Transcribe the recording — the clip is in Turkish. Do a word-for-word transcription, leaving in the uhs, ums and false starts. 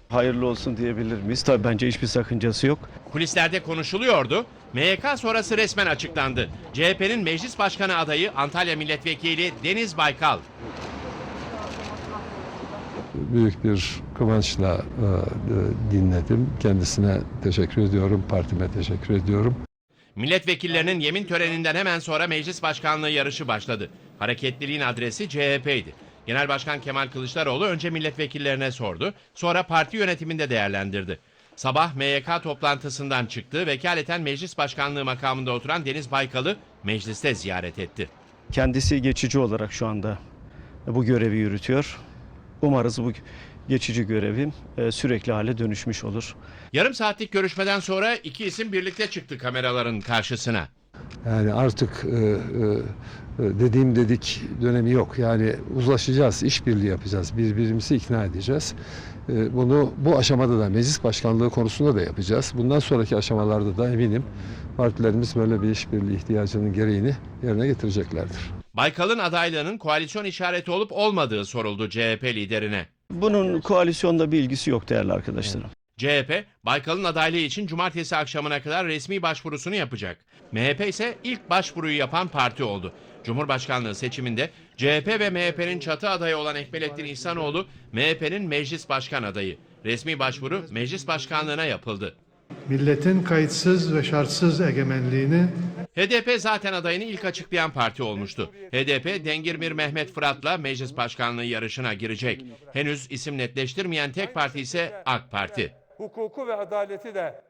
Hayırlı olsun diyebilir miyiz? Tabii bence hiçbir sakıncası yok. Kulislerde konuşuluyordu. M Y K sonrası resmen açıklandı. C H P'nin meclis başkanı adayı Antalya Milletvekili Deniz Baykal. Büyük bir kıvançla e, dinledim. Kendisine teşekkür ediyorum, partime teşekkür ediyorum. Milletvekillerinin yemin töreninden hemen sonra meclis başkanlığı yarışı başladı. Hareketliliğin adresi C H P'ydi. Genel Başkan Kemal Kılıçdaroğlu önce milletvekillerine sordu, sonra parti yönetiminde değerlendirdi. Sabah M Y K toplantısından çıktı, vekaleten meclis başkanlığı makamında oturan Deniz Baykal'ı mecliste ziyaret etti. Kendisi geçici olarak şu anda bu görevi yürütüyor. Umarız bu geçici görevim sürekli hale dönüşmüş olur. Yarım saatlik görüşmeden sonra iki isim birlikte çıktı kameraların karşısına. Yani artık e, e, dediğim dedik dönemi yok. Yani uzlaşacağız, işbirliği yapacağız, birbirimizi ikna edeceğiz. E, bunu bu aşamada da meclis başkanlığı konusunda da yapacağız. Bundan sonraki aşamalarda da eminim partilerimiz böyle bir işbirliği ihtiyacının gereğini yerine getireceklerdir. Baykal'ın adaylığının koalisyon işareti olup olmadığı soruldu C H P liderine. Bunun koalisyonda bir ilgisi yok değerli arkadaşlarım. C H P, Baykal'ın adaylığı için cumartesi akşamına kadar resmi başvurusunu yapacak. M H P ise ilk başvuruyu yapan parti oldu. Cumhurbaşkanlığı seçiminde C H P ve M H P'nin çatı adayı olan Ekmelettin İhsanoğlu, M H P'nin meclis başkan adayı. Resmi başvuru meclis başkanlığına yapıldı. Milletin kayıtsız ve şartsız egemenliğini H D P zaten adayını ilk açıklayan parti olmuştu. H D P, Dengirmir Mehmet Fırat'la meclis başkanlığı yarışına girecek. Henüz isim netleştirmeyen tek parti ise AK Parti. Hukuku ve adaleti de